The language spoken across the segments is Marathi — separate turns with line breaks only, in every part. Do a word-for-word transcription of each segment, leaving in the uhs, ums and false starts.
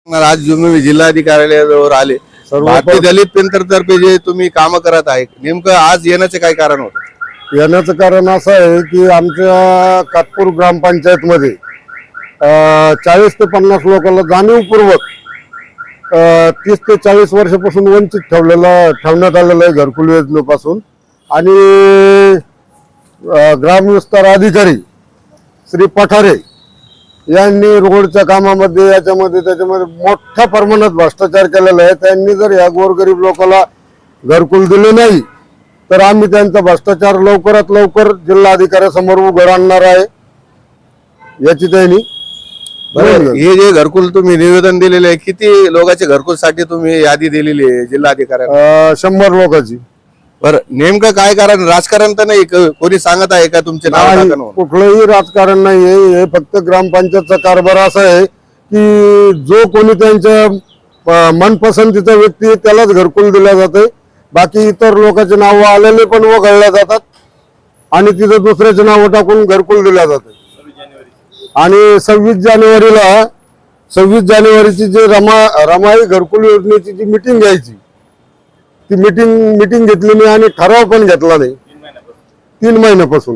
आज तुम्ही जिल्हाधिकाऱ्याजवळ आले, भारतीय दलित पेंटरतर्फे जे तुम्ही काम करत आहे, नेमकं आज येण्याचे काय कारण होतं?
येण्याचं कारण असं आहे की आमच्या कातपूर ग्रामपंचायत मध्ये चाळीस ते पन्नास लोकांना जाणीवपूर्वक तीस ते चाळीस वर्षापासून वंचित ठेवलेलं ठेवण्यात आलेलं आहे घरकुल योजनेपासून। आणि ग्रामविस्तार अधिकारी श्री पठारे यांनी रोडच्या कामामध्ये याच्यामध्ये त्याच्यामध्ये मोठ्या प्रमाणात भ्रष्टाचार केलेला आहे। त्यांनी जर या गोरगरीब लोकांना घरकुल दिले नाही तर आम्ही त्यांचा भ्रष्टाचार लवकरात लवकर जिल्हाधिकाऱ्यासमोर उघड आणणार आहे याची त्यांनी।
हे जे घरकुल तुम्ही निवेदन दिलेले आहे, किती लोकांच्या घरकुल साठी तुम्ही यादी दिलेली आहे जिल्हाधिकाऱ्यांना?
शंभर लोकांची।
बरं, नेमकं काय कारण? राजकारण तर नाही, कोणी सांगत आहे का तुमचे नाव?
कुठलंही राजकारण नाही आहे, हे फक्त ग्रामपंचायतचा कारभार असा आहे की जो कोणी त्यांच्या मनपसंतीचा व्यक्ती त्यालाच घरकुल दिला जाते। बाकी इतर लोकांचे नाव आलेले पण वगळल्या जातात आणि तिथं दुसऱ्याचे नाव टाकून घरकुल दिल्या जाते। आणि सव्वीस जानेवारीला सव्वीस जानेवारीची जे रमा रमाई घरकुल योजनेची जी मिटिंग घ्यायची ती मिटिंग मिटिंग घेतली नाही आणि ठराव पण घेतला नाही तीन महिन्यापासून।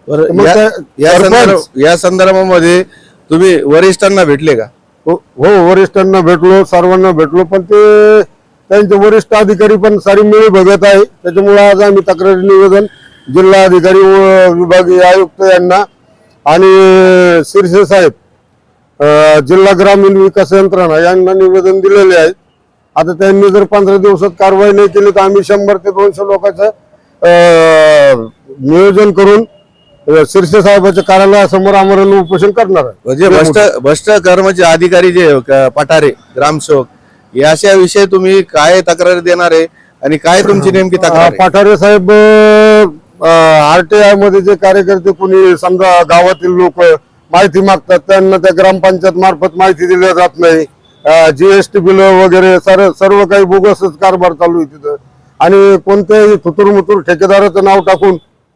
या संदर्भामध्ये तुम्ही वरिष्ठांना भेटले का?
हो, वरिष्ठांना भेटलो, सर्वांना भेटलो, पण ते त्यांचे वरिष्ठ अधिकारी पण सारी मिळी बघत आहे। त्याच्यामुळे आज आम्ही तक्रारी निवेदन जिल्हा अधिकारी व विभागीय आयुक्त यांना आणि शिरसे साहेब जिल्हा ग्रामीण विकास यंत्रणा यांना निवेदन दिलेले आहे। आता त्यांनी जर पंधरा दिवसात कारवाई नाही केली तर आम्ही शंभर ते दोनशे लोकांचं नियोजन करून शिरसे साहेबांच्या कार्यालयासमोर आमरण उपोषण करणार आहे।
म्हणजे भ्रष्ट भ्रष्ट कर्मचारी अधिकारी जे पठारे ग्रामसेवक याच्या विषयी तुम्ही काय तक्रार देणार आहे आणि काय तुमची नेमकी तक्रार?
पठारे साहेब आरटीआय मध्ये जे कार्यकर्ते कोणी समजा गावातील लोक माहिती मागतात त्यांना त्या ग्रामपंचायत मार्फत माहिती दिली जात नाही। जीएसटी बिल वगैरे सर्व सर्व काही बोगसच कारभार चालू आहे तिथं आणि कोणत्याही थुतुरमुतुर ठेकेदाराचं नाव टाकून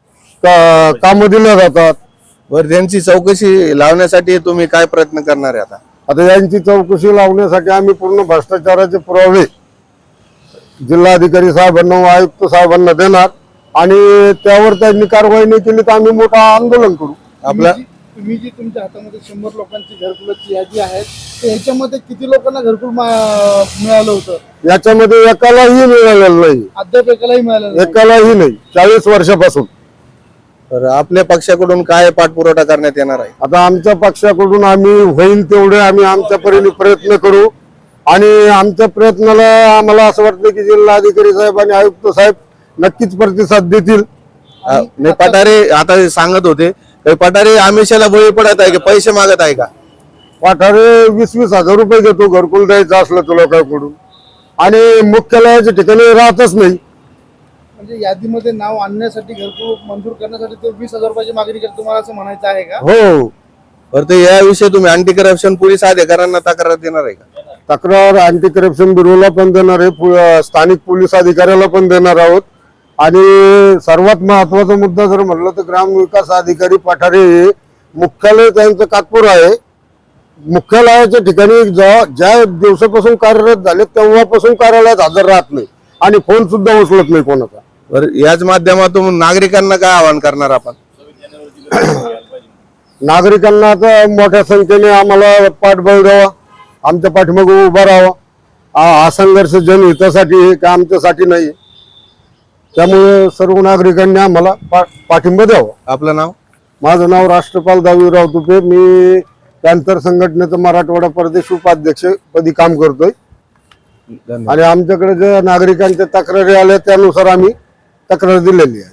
काम दिल्या जातात।
बरं, त्यांची चौकशी लावण्यासाठी तुम्ही काय प्रयत्न करणार आहे? आता
आता यांची चौकशी लावण्यासाठी आम्ही पूर्ण भ्रष्टाचाराचे पुरावे जिल्हाधिकारी साहेबांना व आयुक्त साहेबांना देणार आणि त्यावर त्यांनी कारवाई नाही केली तर आम्ही मोठा आंदोलन करू।
आपला
तुम्ही जी तुमच्या हातामध्ये शंभर लोकांची घरकुलाची यादी आहे याच्यामध्ये किती लोकांना घरकुल मिळालं होतं?
याच्यामध्ये एकालाही मिळालेलं नाही,
अद्याप एकालाही मिळालं
एकालाही नाही चाळीस वर्षापासून।
तर आपल्या पक्षाकडून काय पाठपुरावा करण्यात येणार आहे?
आता आमच्या पक्षाकडून आम्ही होईल तेवढे आम्ही आमच्या परीने प्रयत्न करू आणि आमच्या प्रयत्नाला आम्हाला असं वाटतं की जिल्हाधिकारी साहेब आणि आयुक्त साहेब नक्कीच प्रतिसाद देतील।
पठारे आता सांगत होते पठारे आमिषाला बळी पडत आहे की पैसे मागत आहे का?
पठारे वीस वीस हजार रुपये घेतो घरकुल द्यायचं असलं तर लोकांकडून आणि मुख्यालयाच्या ठिकाणी राहतच नाही।
म्हणजे यादीमध्ये नाव आणण्यासाठी घरकुल मंजूर करण्यासाठी ते वीस हजार रुपयाची मागणी करतो, तुम्हाला असं म्हणायचं आहे का?
हो।
बरं, तर याविषयी तुम्ही अँटी करप्शन पोलीस अधिकाऱ्यांना तक्रार देणार आहे का?
तक्रार अँटी करप्शन ब्युरोला पण देणार आहे, स्थानिक पोलीस अधिकाऱ्याला पण देणार आहोत आणि सर्वात महत्वाचा मुद्दा जर म्हटलं तर ग्रामविकास अधिकारी पठारे मुख्यालय त्यांचं कातपूर आहे। मुख्यालयाच्या ठिकाणी ज्या दिवसापासून कार्यरत झाले तेव्हापासून कार्यालयात हजर राहत नाही आणि फोन सुद्धा उचलत नाही कोणाचा।
बरं, याच माध्यमातून नागरिकांना काय आवाहन करणार आपण?
नागरिकांना आता मोठ्या संख्येने आम्हाला पाठबळ द्यावा, आमच्या पाठीमागे उभा राहावा। हा संघर्ष जनहितासाठी आहे का आमच्यासाठी नाही, त्यामुळे सर्व नागरिकांनी आम्हाला पाठिंबा द्यावा।
आपलं नाव?
माझं नाव राष्ट्रपाल दावीराव तुपे, मी पॅंथर संघटनेचं मराठवाडा प्रदेश उपाध्यक्ष पदी काम करतोय आणि आमच्याकडे ज्या नागरिकांच्या तक्रारी आल्या त्यानुसार आम्ही तक्रार दिलेली आहे।